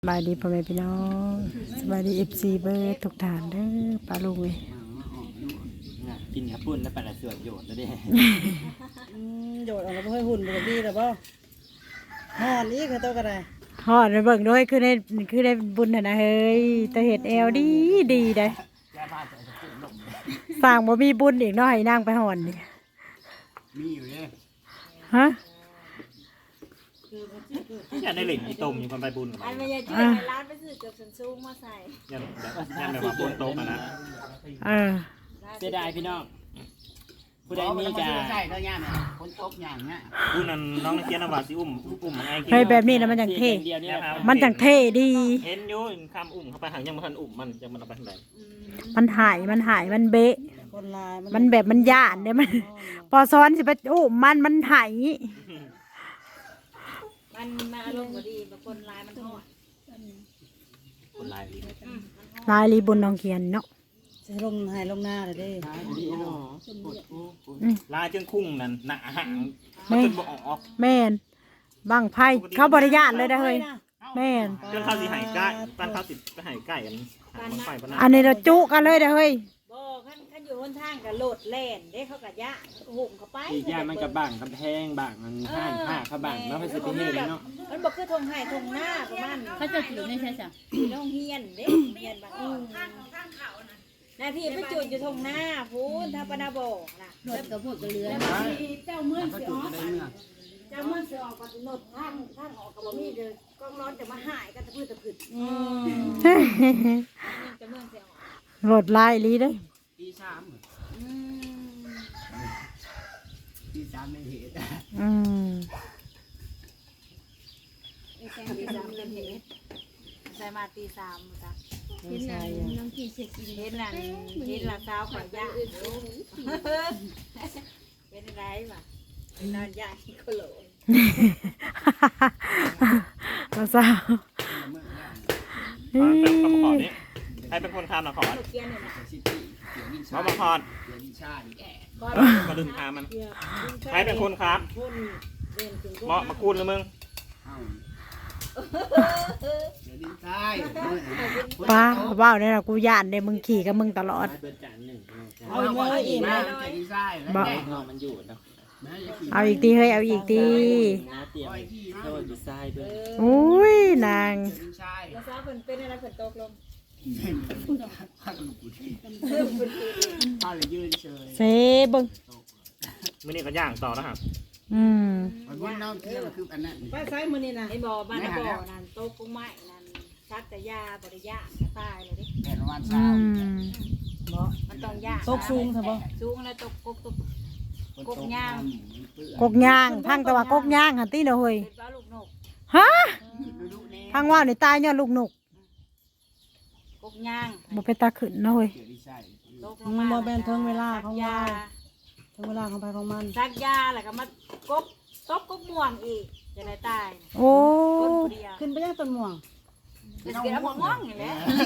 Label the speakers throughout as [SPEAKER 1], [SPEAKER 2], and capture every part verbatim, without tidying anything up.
[SPEAKER 1] สบายดีพ่อแม่พี่น้องสบายดีเอฟซีเบิร์ดทุกฐานเด้อปลาลุงเอ้ย
[SPEAKER 2] กินข้าวปุ้นแล้วปลาสวดโยดแล้วดิ
[SPEAKER 3] โยดออกมาเพื่อหุ่นปกติหรือเปล่าห่อนอีกคือตัวกระได
[SPEAKER 1] ฮอดไปเบิ่งด้วยคือได้คือได้บุญน่ะนะเฮ้ยแต่เห็ดแอลดีดีได้สร้างบ่มีบุญอีกเนาะให้นางไปหอนนี่
[SPEAKER 2] มีอยู่เนี่ย
[SPEAKER 1] ฮะ
[SPEAKER 2] อยากได้เหล็กอีตมอยู่คนไปบุญกับ
[SPEAKER 4] อั
[SPEAKER 2] มัน น
[SPEAKER 4] ไม่ใช่ช่วยในร้านไปซื้อเกือบสันซูงมาใส่
[SPEAKER 2] ยันยันแบบว่าปุ้นโตมานะ
[SPEAKER 1] เออ
[SPEAKER 2] เสียดายพี่น้องผู้ใดมีจะ
[SPEAKER 5] ใช่แล้วย่าเนี่ยคนตบอย่างเงี้ย
[SPEAKER 2] ผู้นั้นน้องนักเรียนนวาสิอุ้มอุ้มมันไง
[SPEAKER 1] เฮ้ยแบบนี้นะมันจังเท่
[SPEAKER 2] เดียวนี่ครับ
[SPEAKER 1] มันจังเท่ดี
[SPEAKER 2] เห็นอยู่คำอุ้มเข้าไปหางยังมันอุ้มมันยังมันเอาไปทางไหน
[SPEAKER 1] มันหายมันหายมันเบะ
[SPEAKER 3] คนลาย
[SPEAKER 1] มันแบบมันย่านเด้มัน พอซ้อนสิไปโอ้มันมันหาย
[SPEAKER 4] มันมาอารมณ์ก็ดีบางคนลายมันทอด
[SPEAKER 2] คนลาย
[SPEAKER 1] ลายรีบุญน้องเขียนเนาะ
[SPEAKER 3] จะลงหายลงหน้าเลยเด้
[SPEAKER 2] ลายจนคุ้งนั่นหนาหางมันจนบ่ออก
[SPEAKER 1] แม่นบังไพ่เขาบริญาตเลยนะเฮ้ยแม่น
[SPEAKER 2] จนข้าวสีหายใกล้ปั้นข้าวสิไปหายใกล้กันมันไฟปะนะ
[SPEAKER 1] อันนี้เราจุกันเลยนะเฮ้ย
[SPEAKER 4] บ่ขั้นขั้นอยู่บนทางกับโหลดแล่นเด้เขากับยะหุ่มเข้าไป
[SPEAKER 5] อีกอย่างมันกับบังกำแพงบังมันห้างผ้าเขาบังแล้วมันสิเป็นเห็นเนาะ
[SPEAKER 4] มันบอกคือทงไห้ทงหน้าประมาณ
[SPEAKER 6] เขาจะถือในใช่จ้ะ
[SPEAKER 4] น้องเฮียนเด้เฮียนบ้านอืมหน้าที่ไปจุดอยู่ทงหน้าพูนถ้าปนาบอกนะ
[SPEAKER 6] หนวดกับพวกกระเรือ
[SPEAKER 4] เจ้าเมื่อ
[SPEAKER 5] เขา
[SPEAKER 4] สิ
[SPEAKER 5] จุ
[SPEAKER 4] อ
[SPEAKER 5] ด
[SPEAKER 4] อก
[SPEAKER 5] ได้เมื่อ
[SPEAKER 4] เจ้าเมื่อสิออกก็หนดทางทางออกกับบ่มีเลยกล้องร้อนจะมาหายกันตะพื้นตะพื้นอืมจะเมื่อสิออก
[SPEAKER 1] โหลดลายลีเด้อ
[SPEAKER 5] ปีสาม
[SPEAKER 4] อืม
[SPEAKER 5] ปีสามในเหตุ
[SPEAKER 1] อืม
[SPEAKER 4] ตีสามเล่นเห็ดใส่มาตีสามจ้ะ
[SPEAKER 6] เห็นหนังน้องกี่เช็คอิน
[SPEAKER 4] เห็นหลังเห็นหลังเท้าข่อยย่างเป็นไรวะนอนย่างที่โคโล
[SPEAKER 1] ก็สาว
[SPEAKER 2] ขอเป็นคำขอนี้ใครเป็นคนทำนะขอ
[SPEAKER 4] ลูกเกียนเนี่ยนะ
[SPEAKER 5] ซิตี้เกี่ยววินชา
[SPEAKER 2] เขามาคอน
[SPEAKER 5] เกี่ยววินชาดิแอะ
[SPEAKER 4] ก้อน
[SPEAKER 2] มาดึงทามัน
[SPEAKER 4] เกียร์
[SPEAKER 2] ใครเป็นคนครับ
[SPEAKER 4] คนเดินถึง
[SPEAKER 2] เหมาะมาคูณเลยมึง
[SPEAKER 5] เอ้าเกี่ยววินชาย
[SPEAKER 1] ป้าว้าวเนี่ยนะกูย่านเด้มึงขี่กับมึงตลอด
[SPEAKER 5] เบิดจานหนึ่ง
[SPEAKER 3] เอาอีกมาเลยอีก
[SPEAKER 5] มา
[SPEAKER 3] มา
[SPEAKER 5] เกี่ยววินชายแล้ว
[SPEAKER 1] บ่
[SPEAKER 5] แอะมันอยู่เนาะ
[SPEAKER 1] เอาอีกทีเฮ้ยเอาอีกที
[SPEAKER 5] น้าเตรียมโดนดีไซน์ด้วย
[SPEAKER 1] อุ้ยนาง
[SPEAKER 5] วินชาย
[SPEAKER 4] แล้วซ้าเป็นเป็นอะไรเป็นตกลง
[SPEAKER 5] ข้าลูกกูที่ข้าเลยยืนเฉย
[SPEAKER 1] เซเบิ่ง
[SPEAKER 2] มื่อนี้ก็ย่างต่อแล้วครับ
[SPEAKER 1] อืม
[SPEAKER 5] มันว่าน้องเที่ยวคืออันนั้น
[SPEAKER 3] ไปซ้ายมือนี่นะ
[SPEAKER 4] ไอ้บ่อบ้านบ่อนั่นโต๊ะกุ้งไม้นั่นซักแต่ยาบริยาก็ตายเลยดิ
[SPEAKER 5] แผ่นวัน
[SPEAKER 1] อื
[SPEAKER 5] เช้าม
[SPEAKER 4] มันต้องย่าง
[SPEAKER 3] ตกสูงใช่ปะ
[SPEAKER 4] สูงแล้วตกกุกตก
[SPEAKER 1] กกย่างพังแต่ว่ากกย่างหันตีเด้อเฮ้ย
[SPEAKER 4] เป็นปลาลูกนก
[SPEAKER 1] ฮะพังว่าวนี่ตายย้อนลูกนก
[SPEAKER 4] กุกย่าง
[SPEAKER 1] บ่ไปตาขึ้นเนาะเฮ้ย
[SPEAKER 5] เกี่ยววินชาย
[SPEAKER 4] ตกล
[SPEAKER 3] มั
[SPEAKER 4] ง
[SPEAKER 3] น
[SPEAKER 4] มา
[SPEAKER 3] บ่เป็นถึงเวลาของ
[SPEAKER 4] ยา
[SPEAKER 3] ยาถึงเวลาของไปของมัน
[SPEAKER 4] ซักยาแล้วก็มากบตบกุกม่วงอีกจะได้ตาย
[SPEAKER 1] โอ้
[SPEAKER 4] คนผู้เดียว
[SPEAKER 3] ขึ้นไปยังต้นม่วง
[SPEAKER 4] จะเกิดม่วงอย่างนี้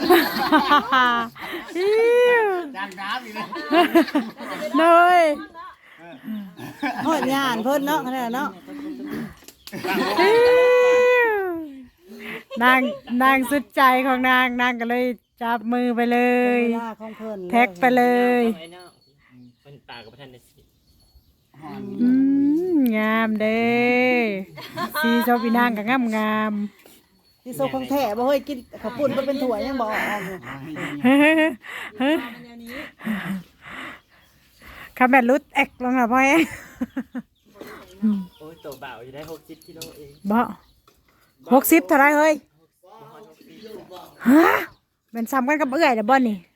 [SPEAKER 1] อิ๊ว
[SPEAKER 5] จานน้ำอีกเลย
[SPEAKER 1] เนย
[SPEAKER 3] โหดยานเพิ่นเนาะขนาดเนาะ
[SPEAKER 1] อิ๊วนางนางสุดใจของนางนางก็เลยจับมือไปเลย
[SPEAKER 3] เวลาของเพิ่น
[SPEAKER 1] แท็กไปเลย
[SPEAKER 2] ไอ้เนาะเป็นตากับประธานในสิ
[SPEAKER 1] อืมงามเด้สีชอบอีนางก็งามงาม
[SPEAKER 3] ที่โซของแท้บ่เฮ้ยกินข้าวปุ้นบ่เป็นถั่วยังบ่ออกอยู่
[SPEAKER 1] เฮ้ยเฮ้ยคาแมรุดแอกลงละพ่อเอง
[SPEAKER 2] โอ้ยตัวเบาอยู่ได้หกสิบกิโลเอง
[SPEAKER 1] บ่หกสิบเท่าไรเฮ้ยฮะเป็นซ้ำกันกับเอื้อยเด้อบ่นี่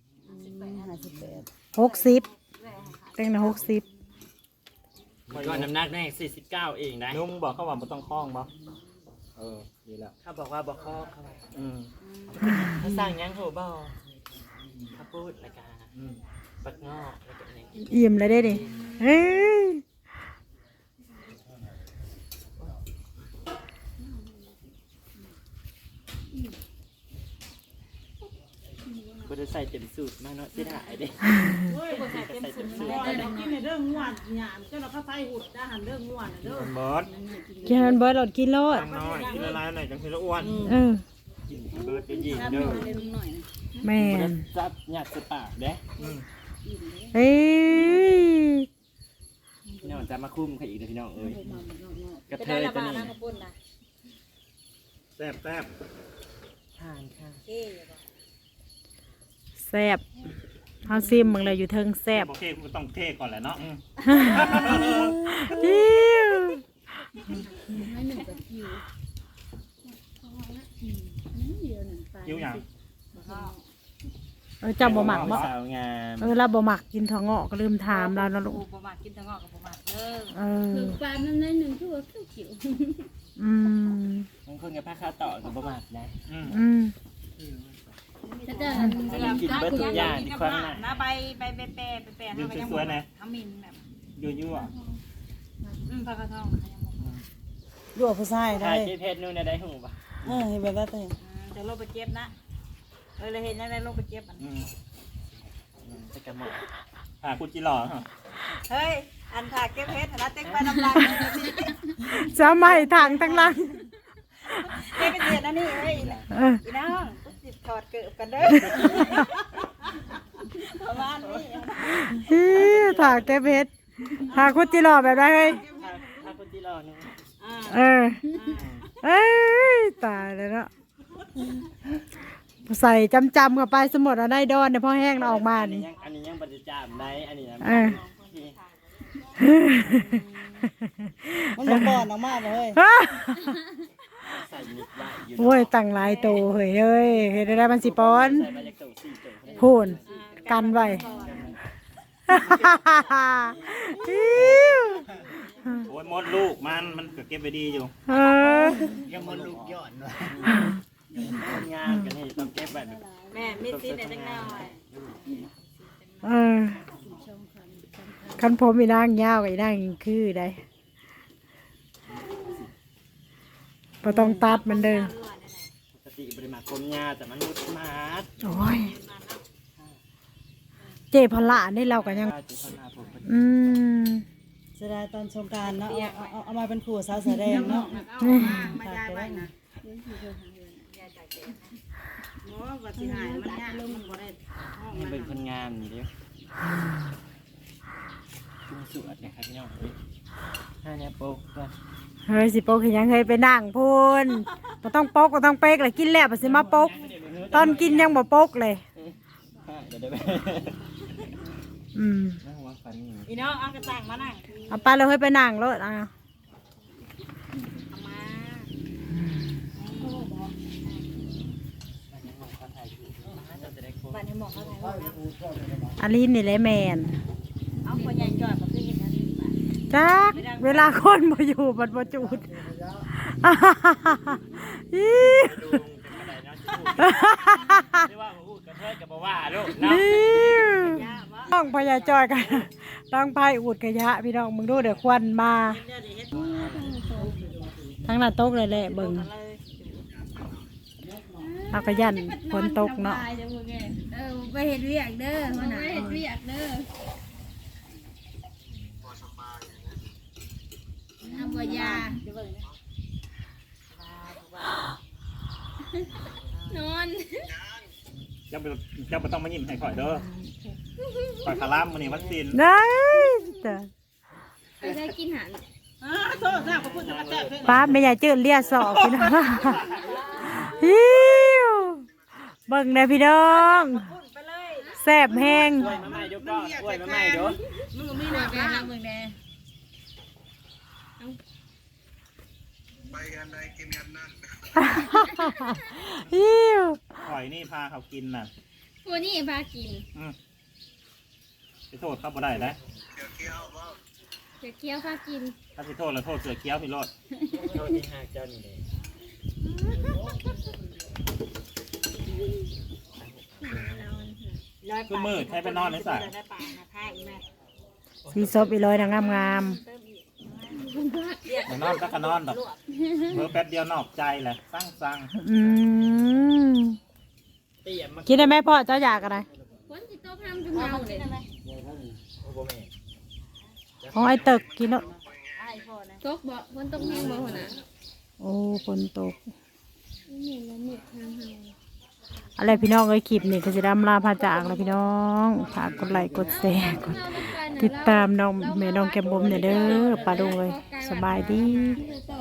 [SPEAKER 1] หกสิบเต็งนะหกสิบ
[SPEAKER 5] ก่อนน้ำหนักได้สี่สิบเก้าเองนะ
[SPEAKER 2] นุ่มบอกเขาว่าไม่ต้องคล้องบ่เออดีแล้ว
[SPEAKER 5] เขาบอกว่าบอกข้อเขา
[SPEAKER 2] อืม
[SPEAKER 5] เขาสั่งยังโหบ่เขาพูดรายการ
[SPEAKER 2] อืม
[SPEAKER 5] ปักงอกแล้วก็อะไร
[SPEAKER 1] อิ่มเลยได้ดิเฮ้ย
[SPEAKER 5] บริษัทเต็มสูตรมาเนาะที่ถ่ายเด้
[SPEAKER 3] กินในเรื่องง่วนหยามเจ้าเราเข้าไฟหุดได้หันเรื่องง่วนเด้อ
[SPEAKER 2] คนบอส
[SPEAKER 1] กินมันเบิร์ดหลดกินโลด
[SPEAKER 2] ทำน้อยกินละลายหน่อยจังทีละอ้วน
[SPEAKER 1] เออ
[SPEAKER 6] รับหน่อยเลยลุงหน่อยนะ
[SPEAKER 1] แม่น
[SPEAKER 2] จับหยัดสปากเด้อืม
[SPEAKER 1] เฮ้ย
[SPEAKER 2] พี่น้องจะมาคุ้มใครอีกเด้อพี่น้องเอ้ยกระ
[SPEAKER 4] จะ
[SPEAKER 2] เท
[SPEAKER 4] ได้
[SPEAKER 2] ย
[SPEAKER 4] ระ
[SPEAKER 2] ตัว
[SPEAKER 4] บาด
[SPEAKER 2] นี้
[SPEAKER 4] น้ำกระปุ้นนะ
[SPEAKER 2] แซ่บแซ่บทานค่ะ
[SPEAKER 4] เท่บ่
[SPEAKER 1] แซ่บเฮาซิมมึงเลยอยู่เทิงแซ่บ
[SPEAKER 2] โอเคกูต้องเทก่อนแหละเนาะอืม
[SPEAKER 1] อิ๊ว
[SPEAKER 6] ให้หนึ่งกับคิวเดียวหนึ่งไป
[SPEAKER 2] ยิ้วหยัง
[SPEAKER 1] เออเจ้าบ่หมักบ่
[SPEAKER 2] สาวงาม
[SPEAKER 1] เออเราบ่หมักกินถั่วงอกก็ลืมถามเราเนาะลูก
[SPEAKER 4] ประมาทกินทั้งงอกกับประมาทเด้อ
[SPEAKER 1] เออ
[SPEAKER 6] ถึงปลามันได้หนึ่งชั่วเขียวเขียว
[SPEAKER 1] อืม
[SPEAKER 2] บางคนกับผ้าคาต่อกับประมาทนะอืม
[SPEAKER 1] อืม
[SPEAKER 6] ถ้าจะ
[SPEAKER 2] กินเบิดทุกอย่างที่คว้างหน้า
[SPEAKER 4] นะใบใบแปรแปรแปร
[SPEAKER 2] ยืนสวยๆนะ
[SPEAKER 4] ทำมินแบบ
[SPEAKER 2] ยั่วยั่ว
[SPEAKER 4] อืมปลากระทองนะคะยังบอก
[SPEAKER 3] ยั่วผู้ชายได้
[SPEAKER 2] ถ่ายที่เพจนู่นน่ะได้หูป่ะ
[SPEAKER 3] เออเห็นแบบนั้นเลย
[SPEAKER 4] จะลงไปเจ็บนะเออเลยเห็นยังไงลงไปเจ็บมัน
[SPEAKER 2] อืมอืมจะกระหม่อมอ่าคุณจิหล่อเหรอ
[SPEAKER 4] เฮ้ยอันถากเก็บเพชรนะเต็กไปน้ำลาย
[SPEAKER 1] จะไม่ทางทั้งหลัง
[SPEAKER 4] เก็บเป็นเดือนนะนี่เฮ้ย
[SPEAKER 1] เออ
[SPEAKER 4] อีน้องกูสิถอดเกิบกันเด้อประมาณนี้
[SPEAKER 1] ฮิถากแก้เพชรถากคุดจิหล่อแบบไรเฮ้ย
[SPEAKER 2] ถ้าถ้าคุณจิหล่อนี่
[SPEAKER 1] เออเอ้ยตายเลยเนาะใส่จำจำๆเข้าไปสมดเอาได้ดอนเนี่ยพอแห้งแล้วออกมา
[SPEAKER 2] อันนี้
[SPEAKER 1] นี่
[SPEAKER 2] ยังอันนี้ยังปฏิจามได้อันนี้นะ
[SPEAKER 1] เออ
[SPEAKER 3] มันบอกก่อนออกมาเลย
[SPEAKER 2] ใส่นิดได้อยู่
[SPEAKER 1] โอ้ยตั้งหลายโตเฮ้ยเอ้ยเฮ็ดได้มันสิปอน
[SPEAKER 2] ใส่มาจากตัวสี่ตัว
[SPEAKER 1] พูนกันไว้ อิ๊ว
[SPEAKER 2] โอ้ยมดลูกมันมันก็เก็บไปดีอยู่
[SPEAKER 1] เออ
[SPEAKER 5] ยังมันลูกย้อนว่ะ
[SPEAKER 2] คนงามกันนี่ต้องเก็บแบบ
[SPEAKER 4] แม่มีซีนเนี่ยจังแนวไว้
[SPEAKER 1] เออคันผมอีนางยาวกับอีนางคือได้บ่ต้องตัดมันเด้อ
[SPEAKER 2] ปกติบริมาคมงาแต่มันมุดมาด
[SPEAKER 1] โอ้ยเจพละนี่เราก็ยัง
[SPEAKER 2] จุดพัฒนาผม
[SPEAKER 1] อืม
[SPEAKER 3] เสียดายตอนสงกรารเนาะเอาเอาเอามาเป็นขู่สาวแสดงเนาะ
[SPEAKER 4] มายายไว้นะหมอว่าสิหายมันยากมันบ่ได้ห้อง
[SPEAKER 2] นี่
[SPEAKER 4] มัน
[SPEAKER 2] เป็นคนงามนี่เด้อจุงสวดนะครับพี่น้องห้าเนี่ยโป๊กก็
[SPEAKER 1] เฮ้ยสิโปกเห็นยังเคยไปนั่งพูนบ่ต้องปกบ่ต้องเป๊กเลยกินแล้วบ่สิมาปก ตอนกินยังบ่ปกเลย
[SPEAKER 2] เดี๋ยวเดี๋ยวไป
[SPEAKER 1] อืม
[SPEAKER 2] นั่งวางฟันนี่
[SPEAKER 4] อีน้องเอากระตังมานั่ง
[SPEAKER 1] เอาไปเลยเฮ้ยไปนั่งรถอ่ะ
[SPEAKER 4] เอามา บ้านให้หมอเขาถ่ายรูปนะ
[SPEAKER 1] อาลีนนี่แหละแมน
[SPEAKER 4] เอาคนใหญ่จอดบ่คือเห็นอันนี้บ้าน
[SPEAKER 1] จักเวลาคนบ่อยู่บัดบ่จูด อี
[SPEAKER 2] ดูเป็นอะไรเนาะจะพูดไม่ว่าพูดกระเทยกับบ่ว่าลูกเนาะ
[SPEAKER 1] นี่ต้องพยาจอยกันต้องพายอูดกระยะพี่น้องมึงดูเดี๋ยวควันมา
[SPEAKER 4] เดี๋ยวเฮ็ด
[SPEAKER 1] ทั้งหน้าตกเลยแหละเบิ่ง
[SPEAKER 4] เลย
[SPEAKER 1] เอากระยันฝนตกเนาะ
[SPEAKER 6] เออไปเห็ดเรียกเด้อไปเห็ดเรียกเด้อทำบ่ยา นอน
[SPEAKER 2] เจ้าไปเจ้าไปต้องมายิ้มให้ข่อยเด้อข่อยคาร่ามมื้อนี้วัคซีน
[SPEAKER 1] ได้จ้ะ
[SPEAKER 6] ไปได้กินหัน
[SPEAKER 4] อ่าโทษนะขอบคุณสำหรับแซ่บเพิ่น
[SPEAKER 1] ป้าไม่อยากจืดเลียสอบพี่น้องฮิวเบิ่งได้พี่น้อง
[SPEAKER 4] ไปเลย
[SPEAKER 1] แซ่บแห้ง
[SPEAKER 2] กล้วยมาใหม่เดี๋ยวก็กล้วยมาใหม่เดี๋ยว
[SPEAKER 4] มึงมี
[SPEAKER 6] ห
[SPEAKER 4] ห
[SPEAKER 6] นั
[SPEAKER 4] นั
[SPEAKER 6] ก
[SPEAKER 4] ก
[SPEAKER 6] แน่
[SPEAKER 4] นะ
[SPEAKER 6] นะมึงแน่
[SPEAKER 1] ฮิว
[SPEAKER 2] ข่อยนี่พาเขากินน่ะ
[SPEAKER 6] พวกนี้พากิน
[SPEAKER 2] อืมไปโทษเขาบ่ได้นะ
[SPEAKER 6] เดี๋ยวเคี้ยวพากิน
[SPEAKER 2] ถ้าไปโทษแล้วโทษเสือเคี้ยวพี่โรดโทษที่หากเจ้านี่เลย คือมืดใช้ไปนอนในสระ
[SPEAKER 4] ได้ป่าหาท่าอีแม่
[SPEAKER 1] สีซบอีร้อยนางงาม
[SPEAKER 2] อย่านอนก็ขนอนดอกเพิ่แป๊บเดียวนอกใจแหละสั่งสั่ง
[SPEAKER 1] ๆอืม
[SPEAKER 2] เตี้ยมา
[SPEAKER 1] กินได้ไหมพ่อเจ้าอยากอะไร
[SPEAKER 6] คนที่โต๊ะทำจนเมาเลย
[SPEAKER 2] โอ้โหแม่
[SPEAKER 1] ของไอ้ตึกกินเนาะ
[SPEAKER 4] ไอ้พ่อนะ
[SPEAKER 6] โต๊ะบ่คนต้องแห้งบ่หัวหน้า
[SPEAKER 1] โอ้ฝนตก
[SPEAKER 6] เหม็นแล้วเหม็นทางเฮา
[SPEAKER 1] อะไรพี่น้องเอ้ยคลิปนี่ก็จะดำลาพาจากแล้วพี่น้องฝากกดไลค์กดแชร์กดติดตามน้องแม่น้องแก้มบุ๋มเนี่ยเด้อป้าดุงเลยสบายดี
[SPEAKER 6] ต่อ